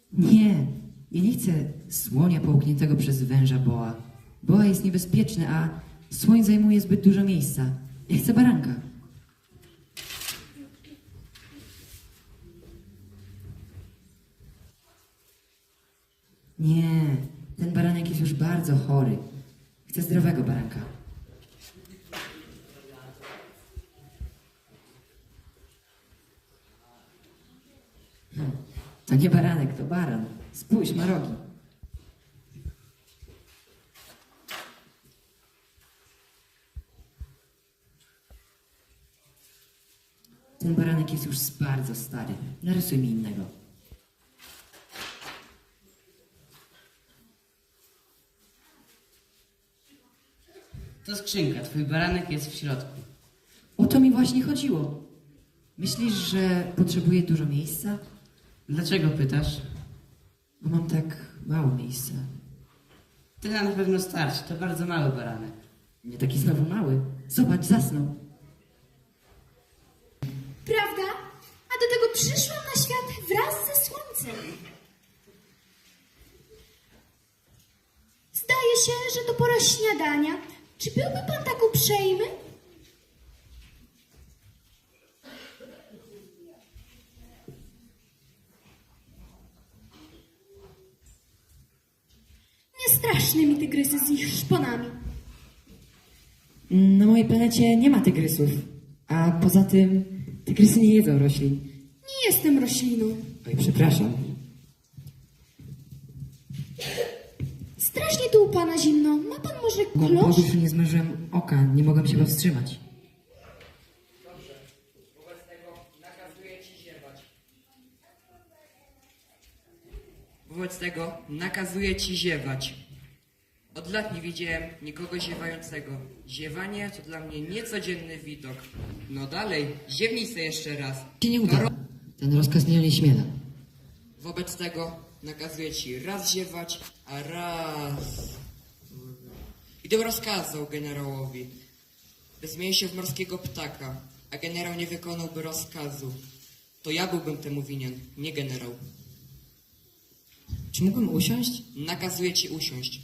Nie, ja nie chcę słonia połkniętego przez węża boa. Boa jest niebezpieczny, a słoń zajmuje zbyt dużo miejsca. Ja chcę baranka. Nie, ten baranek jest już bardzo chory. Chcę zdrowego baranka. To nie baranek, to baran. Spójrz, ma rogi. Ten baranek jest już bardzo stary. Narysuj mi innego. To skrzynka, twój baranek jest w środku. O to mi właśnie chodziło. Myślisz, że potrzebuję dużo miejsca? Dlaczego pytasz? Bo mam tak mało miejsca. Tyle na pewno starczy, to bardzo mały baranek. Nie taki znowu mały. Zobacz, zasnął. Prawda? A do tego przyszłam na świat wraz ze słońcem. Zdaje się, że to pora śniadania. Czy byłby pan tak uprzejmy? Nie straszne mi tygrysy z ich szponami. Na mojej planecie nie ma tygrysów. A poza tym tygrysy nie jedzą roślin. Nie jestem rośliną. Oj, przepraszam. Strasznie tu u pana zimno. Ma pan może Bo klosz? podróż nie zmężyłem oka, nie mogłem się powstrzymać. Wobec tego nakazuję ci ziewać. Od lat nie widziałem nikogo ziewającego. Ziewanie to dla mnie niecodzienny widok. No dalej, ziewnij se jeszcze raz. Się nie uda. Ten rozkaz mnie nie śmiela. Wobec tego nakazuję ci raz ziewać, a raz... I to rozkazał generałowi, by zmienił się w morskiego ptaka, a generał nie wykonałby rozkazu. To ja byłbym temu winien, nie generał. Czy mógłbym usiąść? Nakazuję ci usiąść.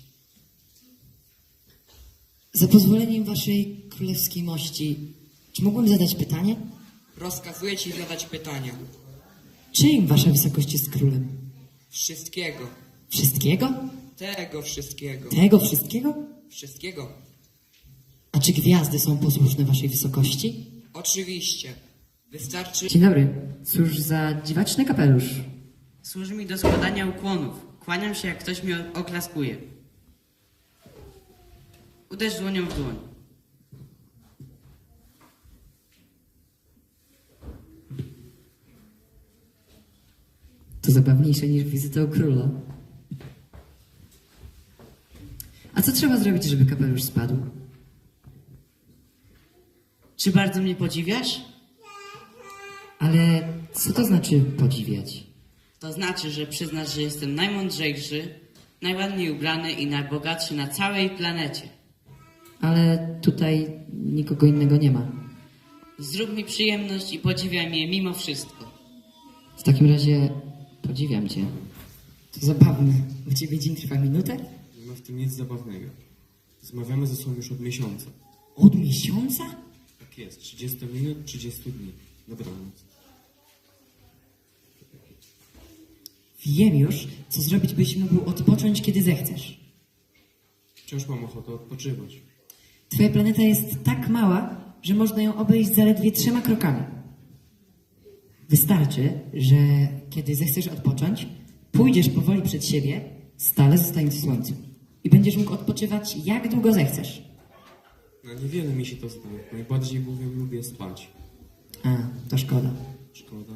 Za pozwoleniem waszej królewskiej mości, czy mógłbym zadać pytanie? Rozkazuję ci zadać pytania. Czyim wasza wysokość jest królem? Wszystkiego. Wszystkiego? Tego wszystkiego. Tego wszystkiego? Wszystkiego. A czy gwiazdy są posłuszne waszej wysokości? Oczywiście. Wystarczy... Dzień dobry. Cóż za dziwaczny kapelusz. Służy mi do składania ukłonów. Kłaniam się, jak ktoś mi oklaskuje. Uderz dłonią w dłoń. To zabawniejsze niż wizyta u króla. A co trzeba zrobić, żeby kapelusz spadł? Czy bardzo mnie podziwiasz? Ale co to znaczy podziwiać? To znaczy, że przyznasz, że jestem najmądrzejszy, najładniej ubrany i najbogatszy na całej planecie. Ale tutaj nikogo innego nie ma. Zrób mi przyjemność i podziwiaj mnie mimo wszystko. W takim razie podziwiam cię. To zabawne. U ciebie dzień trwa minutę? Nie ma w tym nic zabawnego. Rozmawiamy ze sobą już od miesiąca. Od miesiąca? Tak jest, 30 minut, 30 dni. Dobranoc. Wiem już, co zrobić, byś mógł odpocząć, kiedy zechcesz. Wciąż mam ochotę odpoczywać. Twoja planeta jest tak mała, że można ją obejść zaledwie 3 krokami. Wystarczy, że kiedy zechcesz odpocząć, pójdziesz powoli przed siebie, stale zostając w słońcu. I będziesz mógł odpoczywać jak długo zechcesz. No niewiele mi się to zdaje. Najbardziej bowiem lubię spać. A, to szkoda. Szkoda.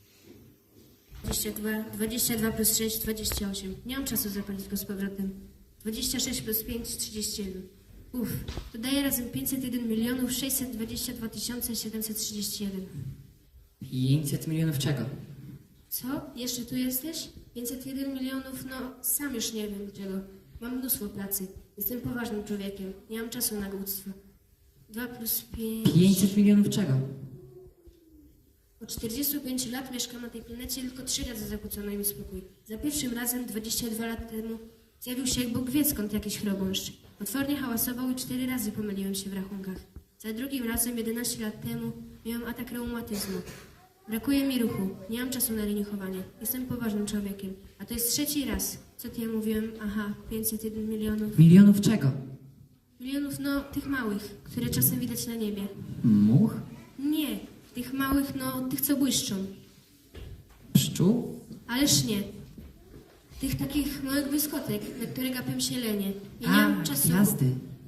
22 plus 6, 28. Nie mam czasu zapalić go z powrotem. 26 plus 5, 31. To daje razem 501 milionów 622 731. 500 milionów czego? Co? Jeszcze tu jesteś? 501 milionów? No, sam już nie wiem czego. Mam mnóstwo pracy. Jestem poważnym człowiekiem. Nie mam czasu na głupstwo. 2 plus 5... 500 milionów czego? Od 45 lat mieszkam na tej planecie, tylko 3 razy zakłócono mi spokój. Za pierwszym razem 22 lat temu zjawił się jak Bóg wie skąd jakiś chrobąszcz. Potwornie hałasował i 4 razy pomyliłem się w rachunkach. Za drugim razem 11 lat temu miałem atak reumatyzmu. Brakuje mi ruchu, nie mam czasu na leniuchowanie. Jestem poważnym człowiekiem. A to jest 3. raz. Co ty ja mówiłem? Aha, 501 milionów. Milionów czego? Milionów, no, tych małych, które czasem widać na niebie. Much? Nie, tych małych, no, tych co błyszczą. Pszczół? Ależ nie. Tych takich małych błyskotek, na które gapią się lenie. Ja nie mam czasu. Gwiazdy.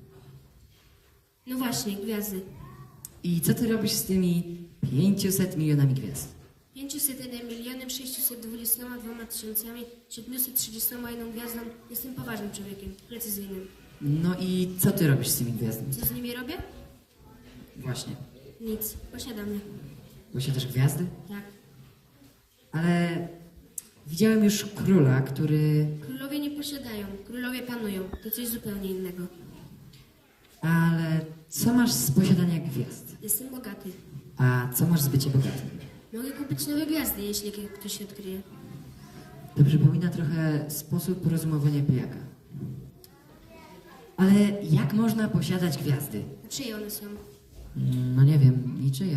No właśnie, gwiazdy. I co ty robisz z tymi 500 milionami gwiazd? 501 milionem 622 731 gwiazdą. Jestem poważnym człowiekiem, precyzyjnym. No i co ty robisz z tymi gwiazdami? Co z nimi robię? Właśnie. Nic. Posiadam je. Posiadasz gwiazdy? Tak. Ale widziałem już króla, który... Królowie nie posiadają. Królowie panują. To coś zupełnie innego. Ale co masz z posiadania gwiazd? Jestem bogaty. A co masz z bycia bogatym? Mogę kupić nowe gwiazdy, jeśli ktoś się odkryje. To przypomina trochę sposób rozumowania pijaka. Ale jak można posiadać gwiazdy? A czyje one są? No nie wiem, niczyje.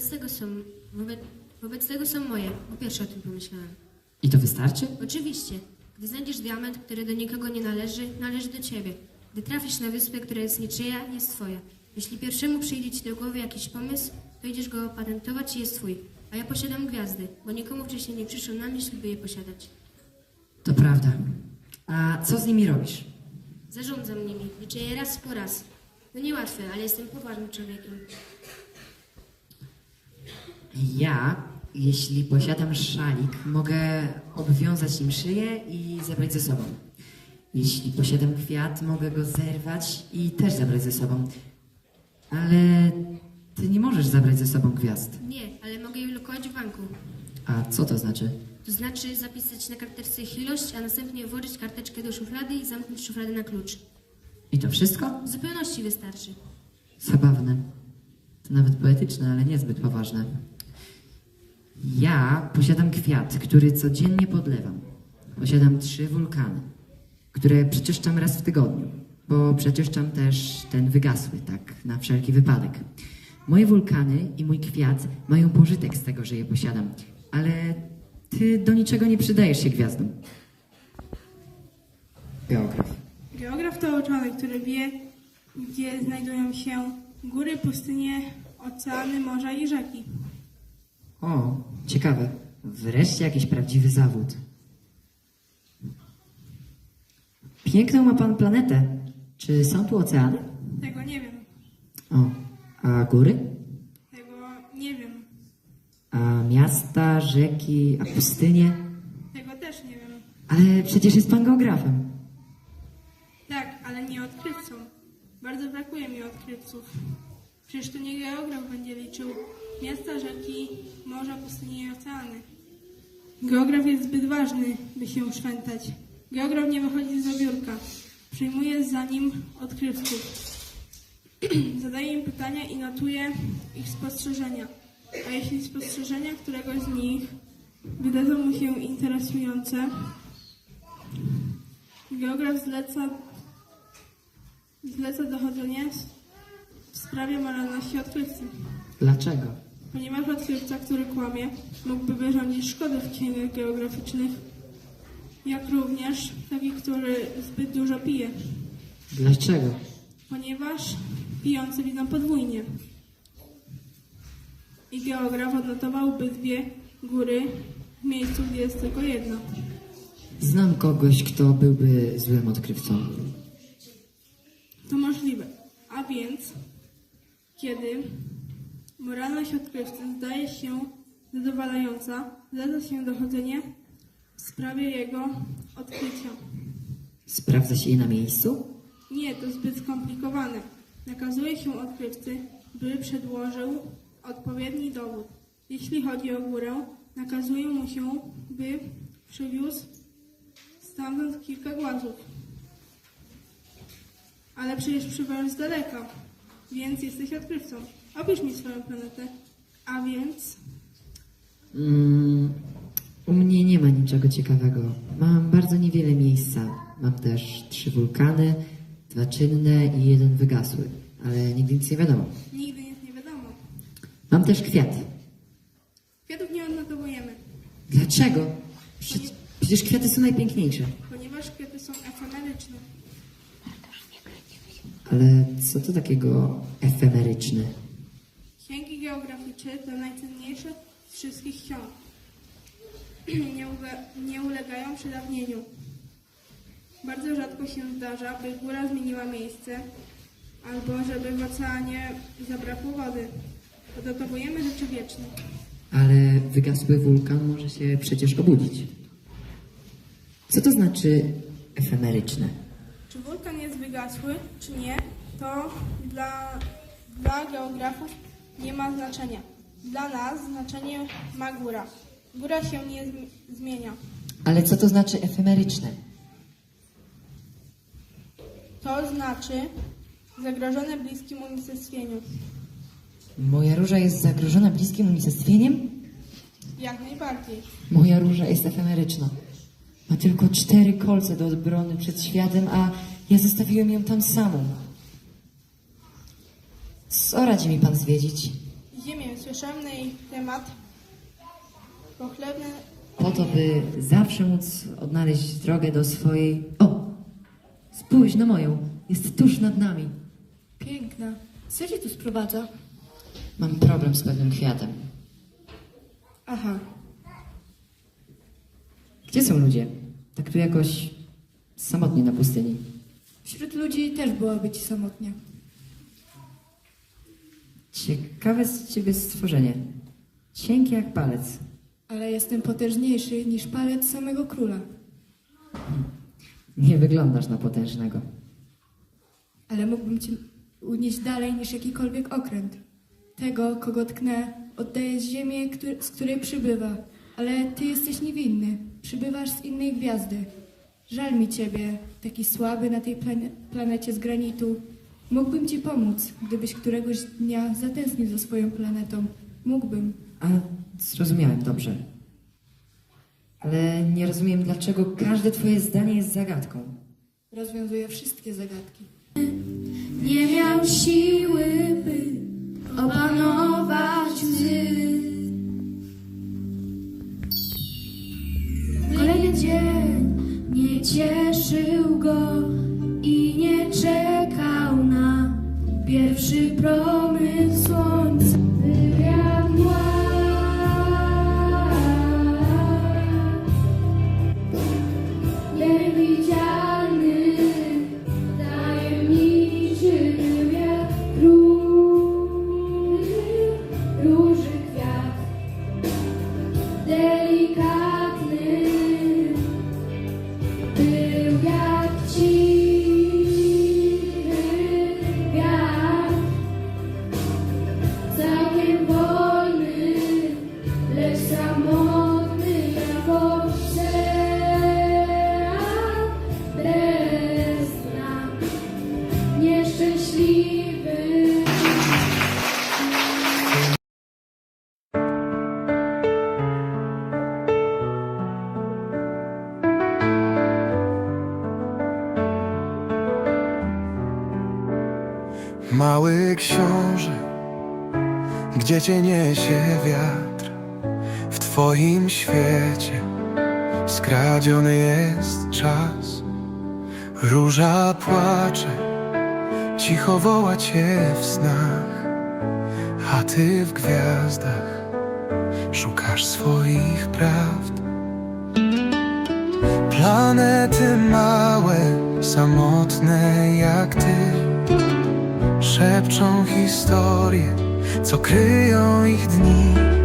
Wobec tego są moje. Po pierwsze o tym pomyślałem. I to wystarczy? Oczywiście. Gdy znajdziesz diament, który do nikogo nie należy, należy do ciebie. Gdy trafisz na wyspę, która jest niczyja, jest twoja. Jeśli pierwszemu przyjdzie ci do głowy jakiś pomysł, to idziesz go opatentować i jest twój. A ja posiadam gwiazdy, bo nikomu wcześniej nie przyszło na myśl, by je posiadać. To prawda. A co z nimi robisz? Zarządzam nimi, liczę je raz po raz. No niełatwe, ale jestem poważnym człowiekiem. Ja, jeśli posiadam szalik, mogę obwiązać nim szyję i zabrać ze sobą. Jeśli posiadam kwiat, mogę go zerwać i też zabrać ze sobą. Ale ty nie możesz zabrać ze sobą gwiazd. Nie, ale mogę je lokować w banku. A co to znaczy? To znaczy zapisać na karteczce ich ilość, a następnie włożyć karteczkę do szuflady i zamknąć szufladę na klucz. I to wszystko? W zupełności wystarczy. Zabawne. To nawet poetyczne, ale niezbyt poważne. Ja posiadam kwiat, który codziennie podlewam. Posiadam 3 wulkany, które przeczyszczam raz w tygodniu, bo przeczyszczam też ten wygasły, tak na wszelki wypadek. Moje wulkany i mój kwiat mają pożytek z tego, że je posiadam, ale ty do niczego nie przydajesz się gwiazdom. Geograf. Geograf to uczony, który wie, gdzie znajdują się góry, pustynie, oceany, morza i rzeki. O, ciekawe. Wreszcie jakiś prawdziwy zawód. Piękną ma pan planetę. Czy są tu oceany? Tego nie wiem. O, a góry? Tego nie wiem. A miasta, rzeki, a pustynie? Tego też nie wiem. Ale przecież jest pan geografem. Tak, ale nie odkrywcą. Bardzo brakuje mi odkrywców. Przecież to nie geograf będzie liczył miasta, rzeki, morza, pustynie i oceany. Geograf jest zbyt ważny, by się szwętać. Geograf nie wychodzi z biurka. Przyjmuje za nim odkrywców. Zadaje im pytania i notuje ich spostrzeżenia. A jeśli spostrzeżenia któregoś z nich wydadzą mu się interesujące, geograf zleca dochodzenie w sprawie moralności odkrywcy. Dlaczego? Ponieważ odkrywca, który kłamie, mógłby wyrządzić szkody w księgach geograficznych, jak również taki, który zbyt dużo pije. Dlaczego? Ponieważ pijący widzą podwójnie. I geograf odnotowałby 2 góry w miejscu, gdzie jest tylko jedna. Znam kogoś, kto byłby złym odkrywcą. To możliwe. A więc, kiedy moralność odkrywcy zdaje się zadowalająca, zleca się dochodzenie w sprawie jego odkrycia. Sprawdza się je na miejscu? Nie, to zbyt skomplikowane. Nakazuje się odkrywcy, by przedłożył odpowiedni dowód. Jeśli chodzi o górę, nakazuje mu się, by przywiózł stamtąd kilka głazów. Ale przecież przybywasz z daleka, więc jesteś odkrywcą. Opisz mi swoją planetę. A więc U mnie nie ma niczego ciekawego. Mam bardzo niewiele miejsca. Mam też 3 wulkany, 2 czynne i 1 wygasły. Ale nigdy nic nie wiadomo. Nigdy nic nie wiadomo. Mam też kwiat. Kwiatów nie odnotowujemy, Dlaczego? Przecież kwiaty są najpiękniejsze. ponieważ kwiaty są efemeryczne. Ale co to takiego efemeryczne? Księgi geograficzne to najcenniejsze z wszystkich ksiąg. Nie ulegają przedawnieniu. Bardzo rzadko się zdarza, by góra zmieniła miejsce, albo żeby w oceanie zabrakło wody. Odnotowujemy rzeczy wieczne. Ale wygasły wulkan może się przecież obudzić. Co to znaczy efemeryczne? Czy wulkan jest wygasły, czy nie, to dla geografów nie ma znaczenia. Dla nas znaczenie ma góra. Góra się nie zmienia. Ale co to znaczy efemeryczne? To znaczy zagrożone bliskim unicestwieniu. Moja róża jest zagrożona bliskim unicestwieniem? Jak najbardziej. Moja róża jest efemeryczna. Ma tylko 4 kolce do obrony przed światem, a ja zostawiłem ją tam samą. Co radzi mi pan zwiedzić? Ziemię, słyszałem na jej temat. Pochlebne Po to, by zawsze móc odnaleźć drogę do swojej... O! Spójrz na moją. Jest tuż nad nami. Piękna. Co cię tu sprowadza? Mam problem z pewnym kwiatem. Aha. Gdzie są ludzie? Tak tu jakoś samotnie na pustyni. Wśród ludzi też byłoby ci samotnie. Ciekawe z ciebie stworzenie. Cienkie jak palec. Ale jestem potężniejszy niż palec samego króla. Nie wyglądasz na potężnego. Ale mógłbym cię unieść dalej niż jakikolwiek okręt. Tego, kogo tknę, oddaję z ziemię, z której przybywa. Ale ty jesteś niewinny. Przybywasz z innej gwiazdy. Żal mi ciebie, taki słaby na tej planecie z granitu. Mógłbym ci pomóc, gdybyś któregoś dnia zatęsknił za swoją planetą. Mógłbym. A, zrozumiałem dobrze. Ale nie rozumiem, dlaczego każde twoje zdanie jest zagadką. Rozwiązuję wszystkie zagadki. Nie miał siły, by opanować łzy. Kolejny dzień nie cieszył go i nie czekał na pierwszy promyk słońca. Wywiad mgła. Niewidzialny, tajemniczy wywiad róży kwiat. Delikatny był jak cichy wiatr. Całkiem wolny, lecz samotny jak ocean bez dna. Nieszczęśliwy. Mały książę, gdzie cię niesie wiatr? W twoim świecie skradziony jest czas. Róża płacze, cicho woła cię w snach, a ty w gwiazdach szukasz swoich prawd. Planety małe, samotne jak ty, szepczą historie, co kryją ich dni.